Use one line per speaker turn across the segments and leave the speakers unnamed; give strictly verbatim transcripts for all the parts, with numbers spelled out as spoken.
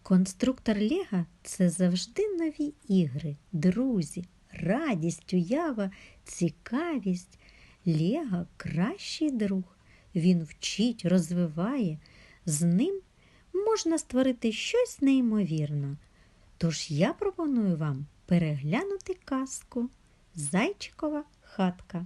Конструктор Лего – це завжди нові ігри, друзі, радість, уява, цікавість. Лего – кращий друг. Він вчить, розвиває. З ним можна створити щось неймовірне. Тож я пропоную вам переглянути казку «Зайчикова хатка».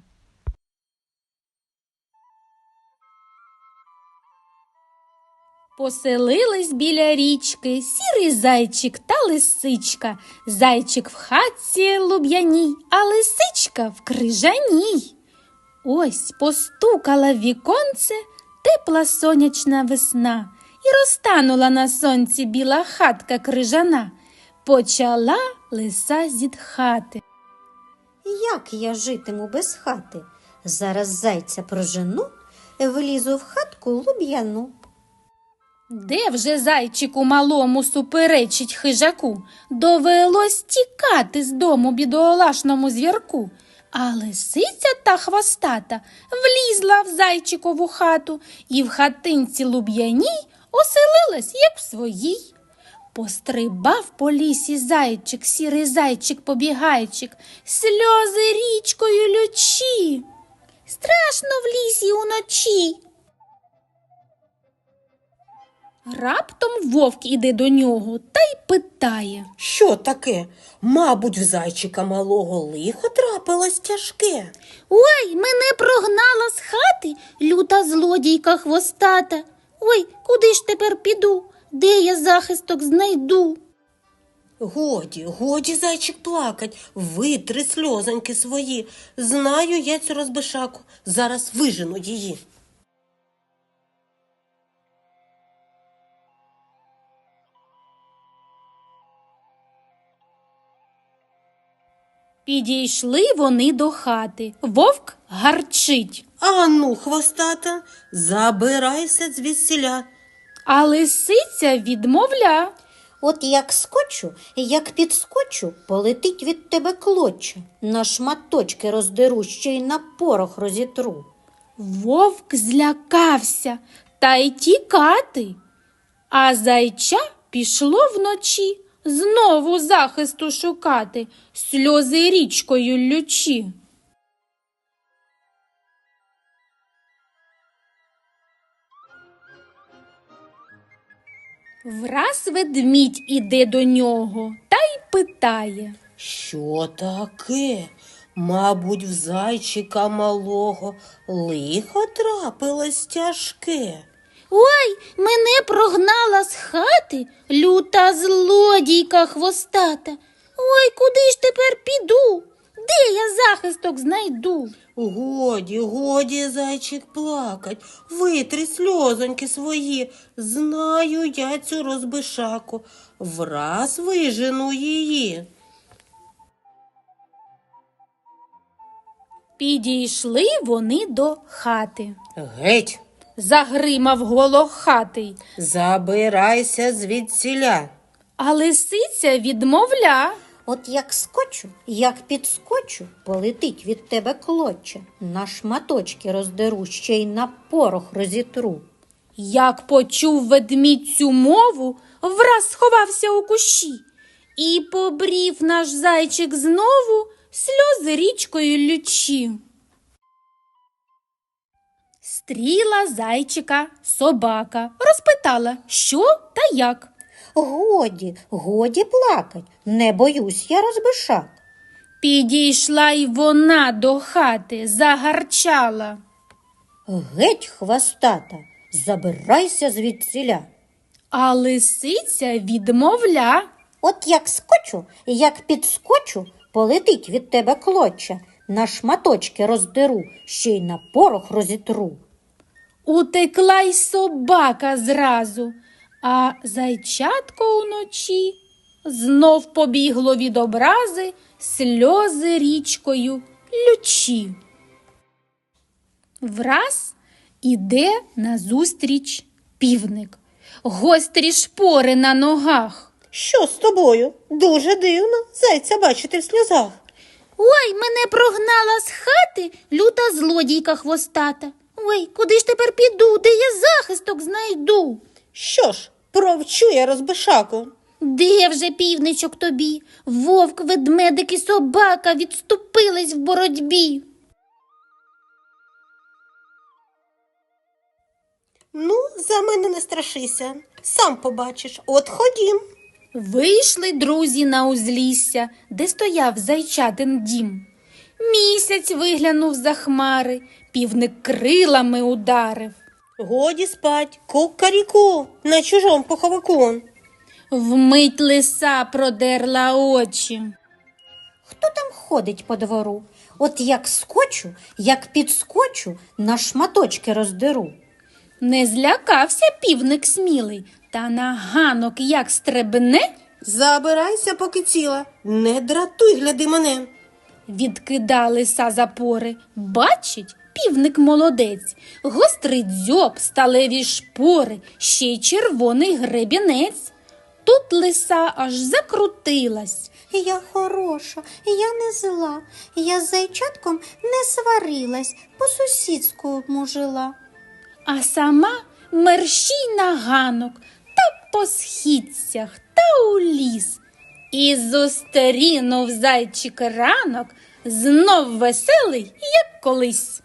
Поселились біля річки сірий зайчик та лисичка. Зайчик в хатці луб'яній, а лисичка в крижаній. Ось постукала в віконце тепла сонячна весна, і розтанула на сонці біла хатка крижана. Почала лиса зітхати.
Як я житиму без хати? Зараз зайця прожену, влізу в хатку луб'яну.
Де вже зайчику малому суперечить хижаку? Довелось тікати з дому бідолашному звірку. А лисиця та хвостата влізла в зайчикову хату і в хатинці луб'яній оселилась, як в своїй. Пострибав по лісі зайчик, сірий зайчик-побігайчик, сльози річкою лючі. Страшно в лісі уночі. Раптом вовк іде до нього та й питає.
Що таке? Мабуть, в зайчика малого лихо трапилось тяжке.
Ой, мене прогнала з хати люта злодійка хвостата. Ой, куди ж тепер піду? Де я захисток знайду?
Годі, годі, зайчик, плакать, витри сльозоньки свої. Знаю я цю розбишаку, зараз вижену її.
Підійшли вони до хати. Вовк гарчить,
Ану, хвостата, забирайся звідсіля.
а лисиця відмовля.
От як скочу, як підскочу, полетить від тебе клоча. На шматочки роздеру, ще й на порох розітру.
Вовк злякався та й тікати. А зайча пішло вночі знову захисту шукати, сльози річкою лючі. Враз ведмідь іде до нього та й питає.
Що таке? Мабуть, в зайчика малого лихо трапилось тяжке.
Ой, мене прогнала з хати люта злодійка хвостата. Ой, куди ж тепер піду? Де я захисток знайду?
Годі, годі, зайчик, плакать, витри сльозоньки свої. Знаю я цю розбишаку, враз вижену її.
Підійшли вони до хати.
Геть,
Загримав голохатий,
забирайся звідсіля.
а лисиця відмовля.
От як скочу, як підскочу, полетить від тебе клоча. На шматочки роздеру, ще й на порох розітру.
Як почув ведмідь цю мову, враз сховався у кущі. І побрів наш зайчик знову сльози річкою лючі. Стріла зайчика собака, розпитала, що та як.
Годі, годі плакать, не боюсь я розбишак.
Підійшла й вона до хати, загарчала.
Геть, хвостата, забирайся звідсіля.
А лисиця відмовля.
От як скочу, як підскочу, полетить від тебе клоча. На шматочки роздеру, ще й на порох розітру.
Утекла й собака зразу, а зайчатко уночі знов побігло від образи сльози річкою лючі. Враз іде назустріч півник, гострі шпори на ногах.
Що з тобою? Дуже дивно зайця бачити в сльозах.
Ой, мене прогнала з хати люта злодійка хвостата. Ой, куди ж тепер піду, де я захисток знайду?
Що ж, Провчу я розбишаку.
Де вже півничок тобі? Вовк, ведмедик і собака відступились в боротьбі.
Ну, за мене не страшися, сам побачиш. От ходім.
Вийшли друзі на узлісся, де стояв зайчатин дім. Місяць виглянув за хмари, півник крилами ударив.
Годі спать, кукаріку, на чужом поховику.
Вмить лиса продерла очі.
Хто там ходить по двору? От як скочу, як підскочу, на шматочки роздеру.
Не злякався півник смілий, та на ганок як стрибне.
Забирайся, поки ціла, не дратуй, гляди мене.
Відкида лиса запори. Бачить, півник молодець, гострий дзьоб, сталеві шпори, ще й червоний гребінець. Тут лиса аж закрутилась.
Я хороша, я не зла, я з зайчатком не сварилась, по-сусідському жила.
А сама мерщій на ганок, та по східцях, та у ліс. І зустрінув зайчик ранок, знов веселий, як колись.